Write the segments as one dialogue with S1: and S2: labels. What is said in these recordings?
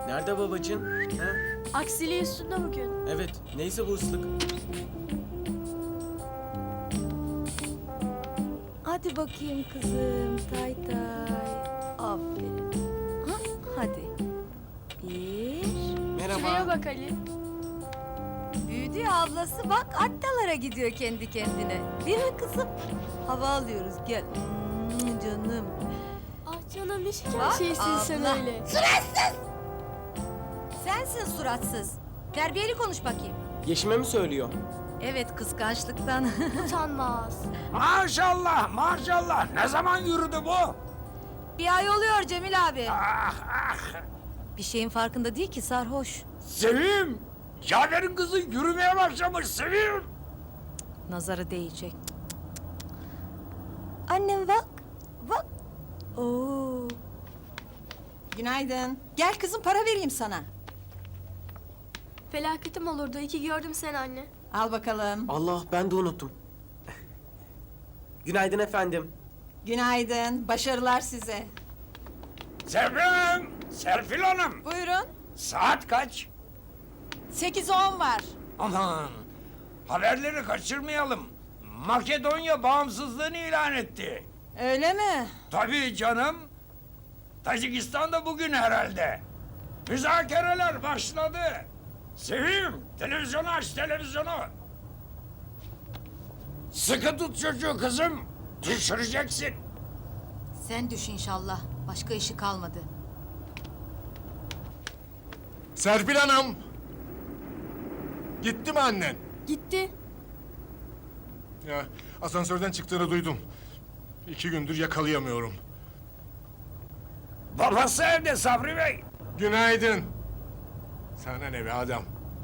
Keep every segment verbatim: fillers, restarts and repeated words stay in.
S1: Nerede babacığım? Ha?
S2: Aksiliği üstünde bugün.
S1: Evet, neyse bu ıslık.
S3: Hadi bakayım kızım, tay tay. Aferin. Ha, hadi. Bir.
S2: Şuraya
S1: Merhaba.
S2: bak Ali.
S3: Büyüdü ya ablası, bak attalara gidiyor kendi kendine. Değil mi kızım? Hava alıyoruz, gel. Hmm, canım.
S2: Ah canım ne şeker
S3: Bak,
S2: şeysin sen
S3: abla.
S2: öyle.
S3: Sensin suratsız. Terbiyeli konuş bakayım.
S1: Yeşime mi söylüyor?
S3: Evet, kıskançlıktan.
S2: Utanmaz.
S4: Maşallah, maşallah. Ne zaman yürüdü bu?
S3: Bir ay oluyor Cemil abi.
S4: Ah, ah.
S3: Bir şeyin farkında değil ki, sarhoş.
S4: Sevim, Cafer'in kızı yürümeye başlamış Sevim.
S3: Nazarı değecek. Annem bak, bak. Oo.
S5: Günaydın. Gel kızım, para vereyim sana.
S2: Felaketim olurdu. İyi ki gördüm seni anne.
S5: Al bakalım.
S1: Allah, ben de unuttum. Günaydın efendim.
S5: Günaydın. Başarılar size.
S4: Sevim, Serpil Hanım.
S5: Buyurun.
S4: Saat kaç?
S5: Sekiz on var.
S4: Aman, haberleri kaçırmayalım. Makedonya bağımsızlığını ilan etti.
S5: Öyle mi?
S4: Tabii canım. Tacikistan da bugün herhalde. Müzakereler başladı. Sevim, televizyonu aç, televizyonu. Sıkı tut çocuğu kızım. Düşüreceksin.
S3: Sen düş inşallah. Başka işi kalmadı.
S6: Serpil Hanım! Gitti mi annen?
S2: Gitti.
S6: Ya asansörden çıktığını duydum. İki gündür yakalayamıyorum.
S4: Babası evde Sabri Bey.
S6: Günaydın. Sana ne be adam?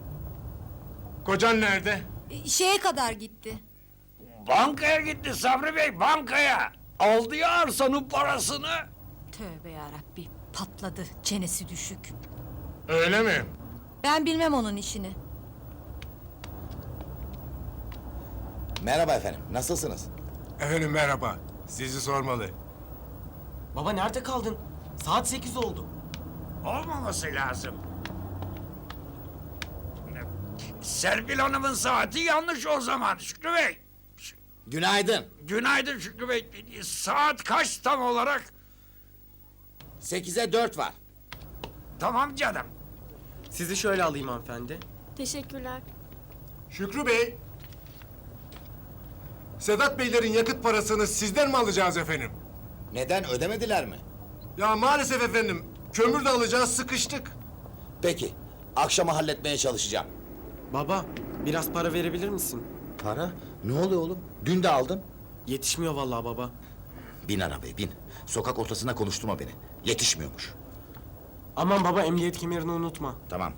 S6: Kocan nerede?
S3: E, Şeye kadar gitti.
S4: Bankaya gitti Sabri Bey, bankaya. Aldı ya arsanın parasını.
S3: Tövbe yarabbi, patladı. Çenesi düşük.
S6: Öyle mi?
S3: Ben bilmem onun işini.
S7: Merhaba efendim, nasılsınız?
S6: Efendim merhaba. Sizi sormalı.
S1: Baba nerede kaldın? Saat sekiz oldu.
S4: Olmaması lazım. Serpil Hanım'ın saati yanlış o zaman Şükrü Bey.
S7: Günaydın.
S4: Günaydın Şükrü Bey. Saat kaç tam olarak?
S7: Sekize dört var.
S4: Tamam canım.
S1: Sizi şöyle alayım hanımefendi.
S2: Teşekkürler.
S6: Şükrü Bey. Sedat Beylerin yakıt parasını sizden mi alacağız efendim?
S7: Neden, ödemediler mi?
S6: Ya maalesef efendim. Kömür de alacağız, sıkıştık.
S7: Peki, akşama halletmeye çalışacağım.
S1: Baba, biraz para verebilir misin?
S7: Para? Ne oluyor oğlum? Dün de aldın.
S1: Yetişmiyor vallahi baba.
S7: Bin arabaya bin. Sokak ortasına konuşturma beni. Yetişmiyormuş.
S1: Aman baba, emniyet kemerini unutma.
S7: Tamam.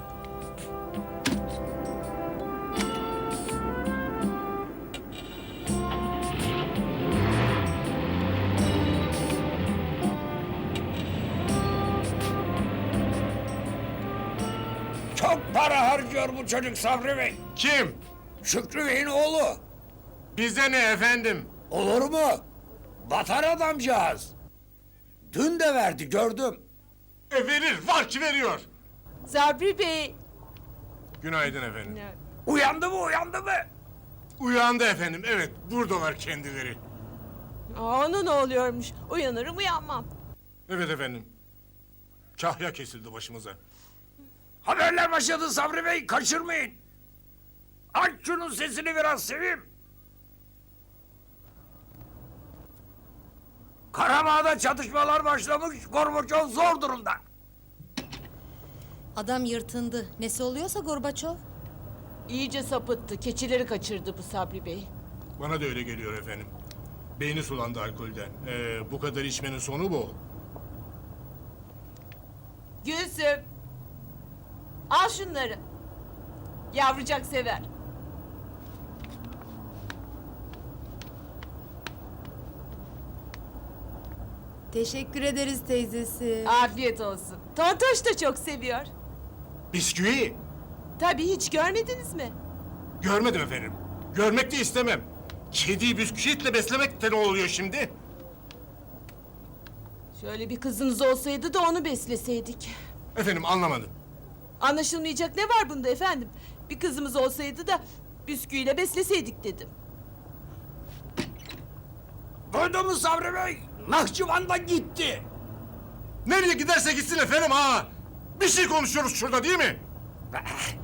S4: Çok para harcıyor bu çocuk Sabri Bey.
S6: Kim?
S4: Şükrü Bey'in oğlu.
S6: Bize ne efendim?
S4: Olur mu? Batar adamcağız. Dün de verdi gördüm.
S6: E verir, var ki veriyor.
S5: Sabri Bey.
S6: Günaydın efendim.
S4: Uyandı mı uyandı mı?
S6: Uyandı efendim, evet. Buradalar kendileri.
S5: Ona ne oluyormuş? Uyanırım uyanmam.
S6: Evet efendim. Kahya kesildi başımıza.
S4: Haberler başladı Sabri Bey, kaçırmayın. Aç şunun sesini biraz Sevim. Karabağ'da çatışmalar başlamış, Gorbaçov zor durumda.
S3: Adam yırtındı. Nesi oluyorsa Gorbaçov.
S5: İyice sapıttı. Keçileri kaçırdı bu Sabri Bey.
S6: Bana da öyle geliyor efendim. Beyni sulandı alkolden. Ee, bu kadar içmenin sonu bu.
S5: Gülsüm. Al şunları. Yavrucak sever.
S3: Teşekkür ederiz teyzesi.
S5: Afiyet olsun. Tontoş da çok seviyor.
S6: Bisküvi.
S5: Tabii hiç görmediniz mi?
S6: Görmedim efendim. Görmek de istemem. Kediyi bisküvitle beslemek de ne oluyor şimdi?
S5: Şöyle bir kızınız olsaydı da onu besleseydik.
S6: Efendim anlamadım.
S5: Anlaşılmayacak ne var bunda efendim? Bir kızımız olsaydı da bisküviyle besleseydik dedim.
S4: Duydun mu Sabri Bey? Nahçıvan'dan gitti.
S6: Nereye giderse gitsin efendim ha. Bir şey konuşuyoruz şurada değil mi?